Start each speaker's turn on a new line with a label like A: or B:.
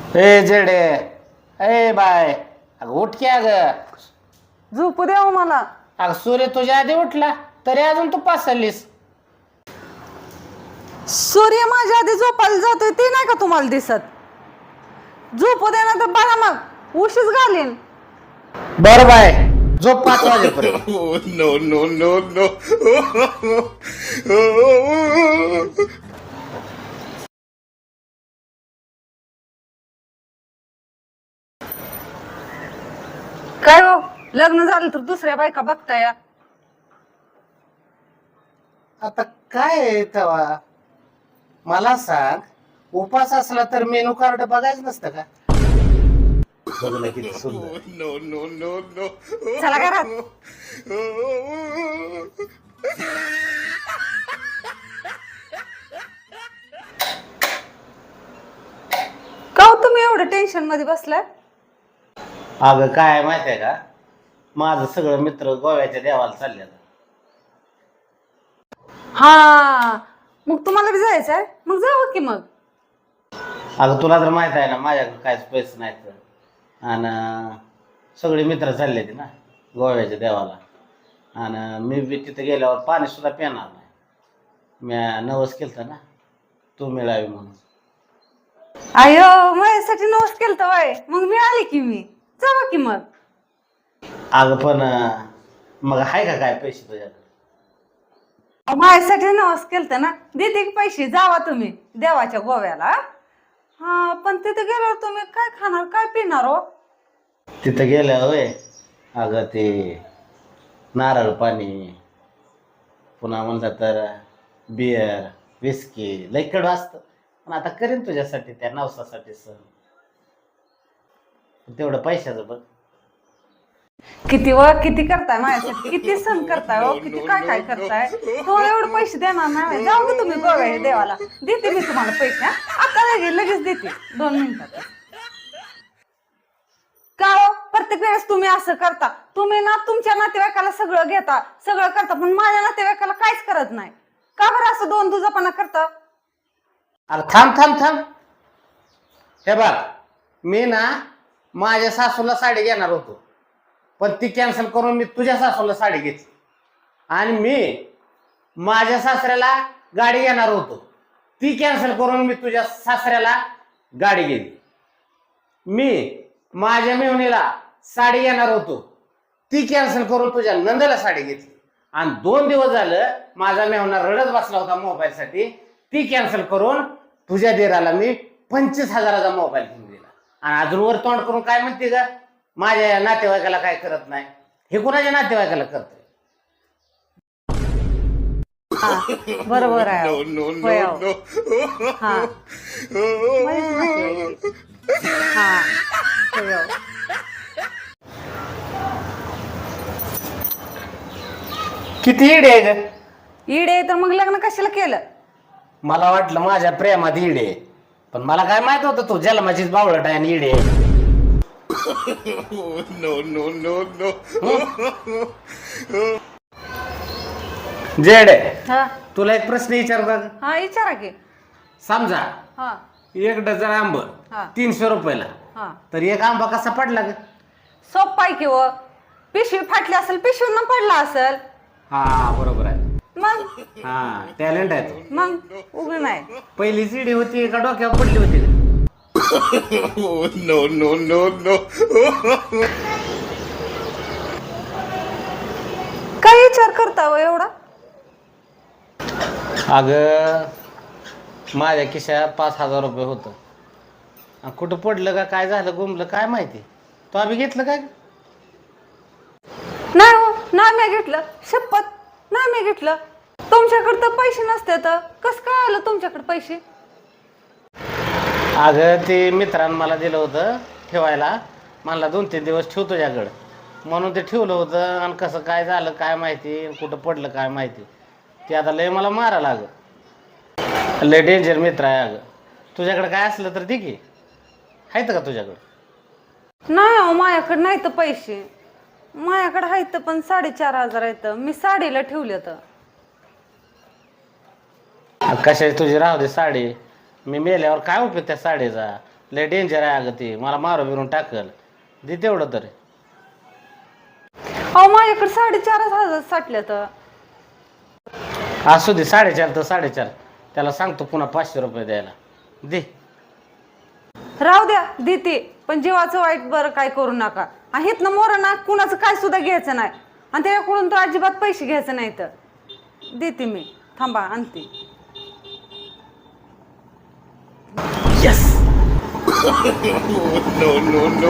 A: ए जेडे. ए बाय. अगं उठ की अगं.
B: झोपू द्या मला.
A: अगं सूर्य तुझ्या आधी उठला तरी अजून तू पासलीस.
B: सूर्य माझ्या आधी झोपायला जातोय ते नाही का तुम्हाला दिसत? झोपू द्या ना तर बघा मग उशीच घालीन.
A: बर बाय झोप 5 वाजेपर्यंत.
C: no, no, no, no.
B: काय हो, लग्न झालं तर दुसऱ्या बायका बघताय?
A: आता काय आहे तेव्हा मला सांग. उपास असला तर मेनू कार्ड बघायचं नसतं का? बघलं किती सुंदर.
C: No, no, no, no.
B: चला घरात. का हो तुम्ही एवढं टेन्शन मध्ये बसलाय?
A: अगं काय माहितीये का, माझं सगळं मित्र गोव्याच्या देवाला चालले.
B: हा मग तुम्हाला बी जायचं आहे? मग जावं की मग.
A: अगं तुला तर माहित आहे ना माझ्याकडे काहीच पैसे नाहीत. आणि सगळे मित्र चालले ते ना गोव्याच्या देवाला. आणि मी बी तिथे गेल्यावर पाणी सुद्धा पिणार नाही. मी नवस केलं ना तू मिळावी म्हणून.
B: अयो माझ्यासाठी नवस केलं वय, मग मी आले की मी जावं की मग.
A: अगं पण मग आहे का काय पैसे तुझ्याकडे?
B: माझ्यासाठी नवस केलं ना, देते की पैसे. जावा तुम्ही देवाच्या गोव्याला. हा पण तिथे गेल्यावर तुम्ही काय खाणार काय पिणार हो?
A: तिथं गेल्या होय. अगं ते नारळ पाणी, पुन्हा म्हणलं तर बियर विस्की लई कडू असतं. पण आता करीन तुझ्यासाठी त्या नवसासाठी सण. तेवढं पैशाचं बघ.
B: किती व किती करताय माझ्यासाठी, किती सण करताय हो, किती काय काय करताय. तुम्हाला एवढे पैसे देणार नाही. जाऊ की तुम्ही गोव्या देवाला. देते मी तुम्हाला पैसे. आता लगेच देते 2 मिनिटात. का हो प्रत्येक वेळेस तुम्ही असं करता? तुम्ही ना तुमच्या नातेवाईकाला सगळं घेता सगळं करता, पण माझ्या नातेवाईकाला काहीच करत नाही. का बरं असं दोन दुजापणा करता?
A: अरे थांब थांब थांब. हे बघ, मी ना माझ्या सासूला साडी घेणार होतो, पण ती कॅन्सल करून मी तुझ्या सासूला साडी घेतली. आणि मी माझ्या सासऱ्याला गाडी घेणार होतो, ती कॅन्सल करून मी तुझ्या सासऱ्याला गाडी घेतली. मी माझ्या मेहुणीला साडी घेणार होतो, ती कॅन्सल करून तुझ्या नंदाला साडी घेतली. आणि 2 दिवस झालं माझा मेहुणा रडत बसला होता मोबाईलसाठी, ती कॅन्सल करून तुझ्या देराला मी 25,000चा मोबाईल घेऊन दिला. आणि अजून वर तोंड करून काय म्हणते का, माझ्या नातेवाईकाला काय करत नाही. हे कोणाच्या नातेवाईकाला करतोय?
B: बरोबर आहे.
C: No, no,
B: होय
C: no,
B: अहो.
C: no.
B: हा माझीच नातेवाईक. हा होय अहो.
A: किती ईड आहे ग?
B: इडे तर मग लग्न कशाला केलं?
A: मला वाटलं माझ्या प्रेमात ईड आहे, पण मला काय माहित होतं तू जन्माचीच बावळट आहे आणि ईड आहे.
C: No, no, no, no.
A: जेड,
B: हा
A: तुला एक प्रश्न विचारू का?
B: हा विचारा की.
A: समजा
B: हा
A: 1 डझन आंब
B: हा.
A: 300 रुपयाला,
B: हा
A: तर एक आंबा कसा पडला ग?
B: सोप आहे की व. पिशवी फाटली असेल, पिशवीनं पडला असेल.
A: हा बरोबर आहे.
B: मग
A: हा टॅलेंट आहे तू.
B: मग उभी नाही.
A: पहिली सीडी होती का डोक्यावर पडली होती ग?
C: No, no, no, no.
B: काय विचार करता हो एवढा?
A: अगं माझ्या खिशात 5,000 रुपये होतं. आणि कुठं पडलं का काय झालं गुमलं काय माहिती. तो आम्ही घेतलं काय?
B: नाही हो, नाही मी घेतलं. शपथ नाही मी घेतलं. तुमच्याकडे तर पैसे नसते तर कसं काय आलं तुमच्याकडे पैसे?
A: अगं ते मित्रानं मला दिलं होतं ठेवायला. म्हणला 2-3 दिवस ठेव तुझ्याकडं, म्हणून ते ठेवलं होतं. आणि कसं काय झालं काय माहिती, कुठं पडलं काय माहिती. ते आता लय मला मारा लागं. लय डेंजर मित्र आहे अगं. तुझ्याकडे काय असलं तर दे की. आहेत का तुझ्याकडं?
B: नाही हो माझ्याकडे नाही तर पैसे. माझ्याकडे आहेत पण 4,500 आहेत. मी साडीला ठेवले तर.
A: कशाची तुझी राहू दे साडी. मी मेल्यावर काय उपयोग त्या साडीचा? लय डेंजर आहे अगं ते, मला मारू बिरून टाकल. दे तेवढं तरी.
B: अहो माझ्याकडे 4,500 साठल्या तर.
A: असू दे, 4.5 तर 4.5. त्याला सांगतो पुन्हा 500 रुपये द्यायला. दे.
B: राहू द्या देते, पण जीवाचं वाईट बरं काय करू नका. आहेत ना मोर ना, कुणाचं काय सुद्धा घ्यायचं नाही आणि त्याच्याकडून तर अजिबात पैसे घ्यायचे नाही. तर देते मी, थांबा आणते.
A: यस.
C: No, no, no.